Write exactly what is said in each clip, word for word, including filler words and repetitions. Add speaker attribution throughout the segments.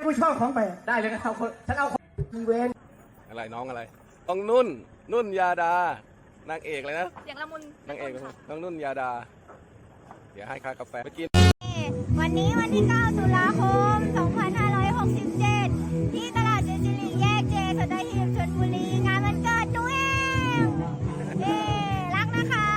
Speaker 1: ผู้ชอบของไป
Speaker 2: ได้เลยครับฉันเอา
Speaker 1: มีเวน
Speaker 3: อะไรน้องอะไรน้องนุ่นนุ่นยาดานางเอกเลยนะ
Speaker 4: เสียงละมุน
Speaker 3: นางเอกน้องนุ่นยาดาเดี๋ยวให้ค่ากาแฟไปกิน
Speaker 4: วันนี้วันที่เก้าตุลาคมสองพันห้าร้อยหกสิบเจ็ดที่ตลาดเจจิริแยกเจสัตหีบชลบุรีงานวันเกิดตัวเองเย้รักนะคะ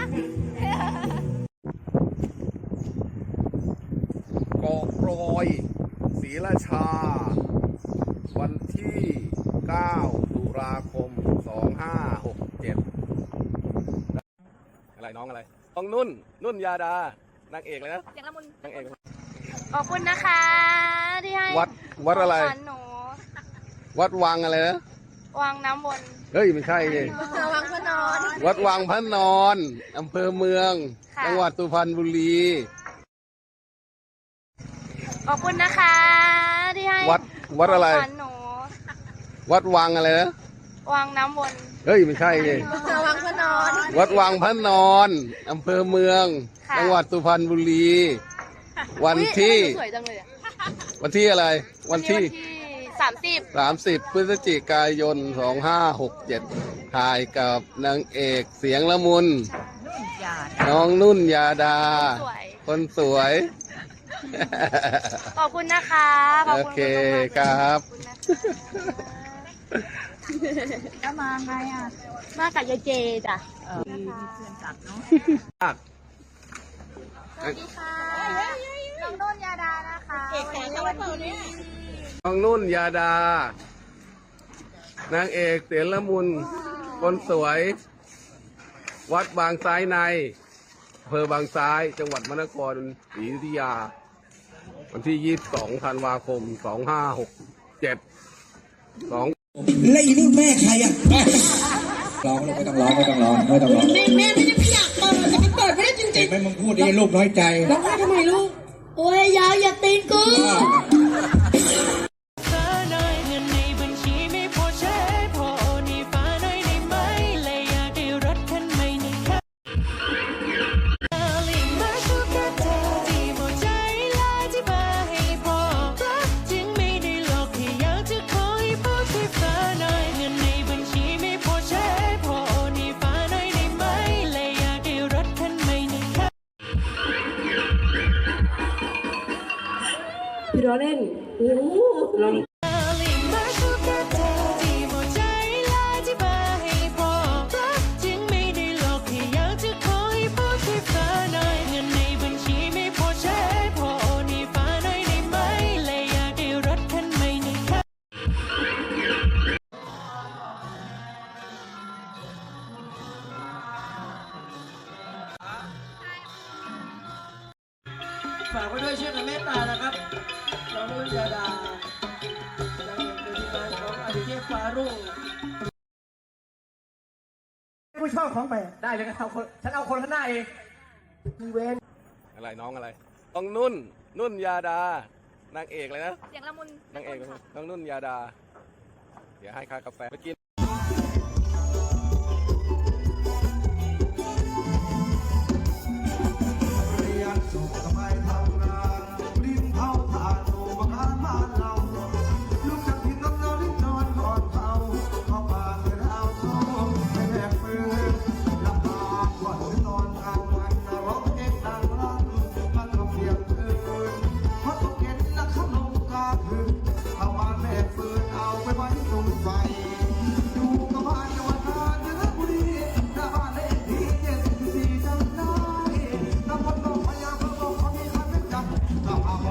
Speaker 3: เกาะรอยศรีราชาวันที่เก้าตุลาคมสองห้าหกเจ็ดอะไรน้องอะไรน้องนุ่นนุ่นยาดานางเอกเลยนะ
Speaker 4: เสียงละมุน
Speaker 3: นางเอก
Speaker 4: ขอบคุณนะคะที่ให้
Speaker 3: วัดวัดอะไร
Speaker 4: หนู
Speaker 3: วัดวังอะไรนะ
Speaker 4: วังน้ำวน
Speaker 3: เฮ้ยไม่ใช่เลย
Speaker 4: วังพระนอน
Speaker 3: วัดวังพระนอนอำเภอเมืองจังหวัดสุพรรณบุรี
Speaker 4: ขอบคุณนะคะที่ให้
Speaker 3: วัดวัดอะไร
Speaker 4: หนู
Speaker 3: วัดวังอะไรนะ
Speaker 4: วังน้ำวน
Speaker 3: เฮ้ยไม่ใช่เลย
Speaker 4: วังพระนอน
Speaker 3: วัดวังพระนอนอำเภอเมืองจังหวัดสุพรรณบุรีวันที่วันที่อะไรวันที่
Speaker 4: สามสิบ
Speaker 3: สามสิบพฤศจิกายนสองห้าหกเจ็ดถ่ายกับนางเอกเสียงละมุนน้องนุ่นยาดาคนสวย
Speaker 4: ขอบคุณนะคะ
Speaker 3: โอเคครับ
Speaker 4: ก็มาไงอ่ะมากับยายเจจ้ะมีเพื่อนจัดเนาะสวัสดีค่ะน้องนุ่นยาดานะคะเอกแขกวันนี้
Speaker 3: น้องนุ่นยาดา นางเอกเสียงละมุนคนสวย วัดบางซ้ายในอำเภอบางซ้ายจังหวัดมนครศรีอยุธยาวันที่ยี่สิบสองธันวาคมสองห้าหกเจ็ดสอง
Speaker 1: แล้วอีนี่แม่ใครอ่ะ
Speaker 5: ร้องไม่ต้องร้องไม่ต้องร้องไม่ต้องร้อง
Speaker 6: แม่แม่ไม่ได้ไม่อยากเปิดแต่มันเปิดไม่ได้จริงๆ
Speaker 5: ไม่มึงพูดดิลูกน้อยใจ
Speaker 6: ร้องไห้ทำไมลูกโอ้ยยาวอย่าตีนกูพี่ล้อเล่นโอ้ลอง
Speaker 1: ฝากไว้ด้วยช่วยกันเมตตานะครับน้องนุ่นยาดาจากเป็นทีมงานของอดิเทพฟารุ่งผู้ชอบของไป
Speaker 2: ได้เลยครับฉันเอาคนข้างหน้าเอง
Speaker 1: มีเวน
Speaker 3: อะไรน้องอะไรน้องนุ่นนุ่นยาดานางเอกเลยนะ
Speaker 4: เสียงละมุน
Speaker 3: นางเอกน้องนุ่นยาดาเดี๋ยวให้ค่ากาแฟไปกิน
Speaker 1: เ